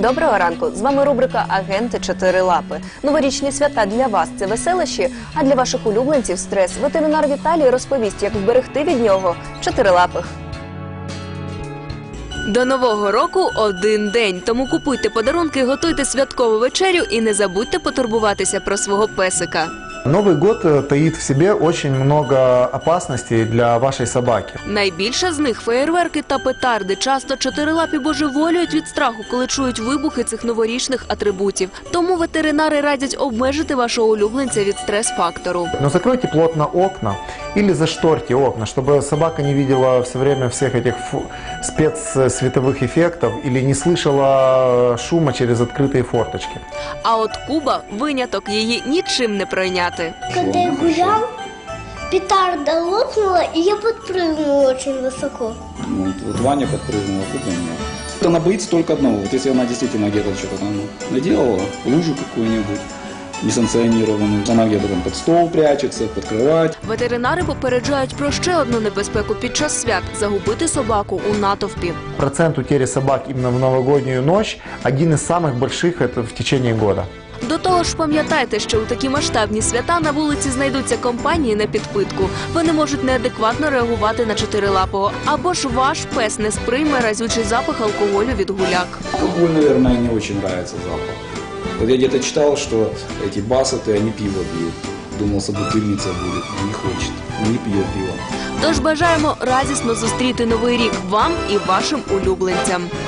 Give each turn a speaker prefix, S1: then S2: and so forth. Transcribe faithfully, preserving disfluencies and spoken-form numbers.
S1: Доброго ранку! З вами рубрика «Агенти Чотирилапи». Новорічні свята для вас – це веселощі, а для ваших улюбленців – стрес. Ветеринар Віталій розповість, як вберегти від нього чотирилапих. До Нового року один день, тому купуйте подарунки, готуйте святкову вечерю і не забудьте потурбуватися про свого песика.
S2: Новый год таит в себе очень много опасностей для вашей собаки.
S1: Найбільше з них – феєрверки та петарди. Часто чотирилапі божеволюють від страху, коли чують вибухи цих новорічних атрибутів. Тому ветеринари радять обмежити вашого улюбленця від стрес-фактору.
S2: Но закройте плотно окна или зашторьте окна, чтобы собака не видела все время всех этих спецсветовых эффектов или не слышала шума через открытые форточки.
S1: А от Куба – виняток, її нічим не пройняти.
S3: Когда я гулял, петарда лопнула, и я подпрыгнула очень высоко.
S4: Вот, вот Ваня подпрыгнула, Куба нет. Она боится только одного. Вот если она действительно где-то что-то там наделала, лужу какую-нибудь несанкционированную, она где-то там под стол прячется, под кровать.
S1: Ветеринари попереджають про ще одну небезпеку під час свят – загубити собаку у натовпі.
S2: Процент утери собак именно в новогоднюю ночь один из самых больших это в течение года.
S1: До того ж, пам'ятайте, що у такі масштабні свята на вулиці знайдуться компанії на підпитку. Вони можуть неадекватно реагувати на чотирилапого. Або ж ваш пес не сприйме разючий запах алкоголю від гуляк.
S4: Алкоголь, наверное, не очень нравится запах. Вот я где-то читал, что эти бассеты, они пиво пьют. Думал, собутыльница будет, не хочет, не пьет пиво.
S1: Тож бажаємо радісно зустріти Новий рік вам і вашим улюбленцям.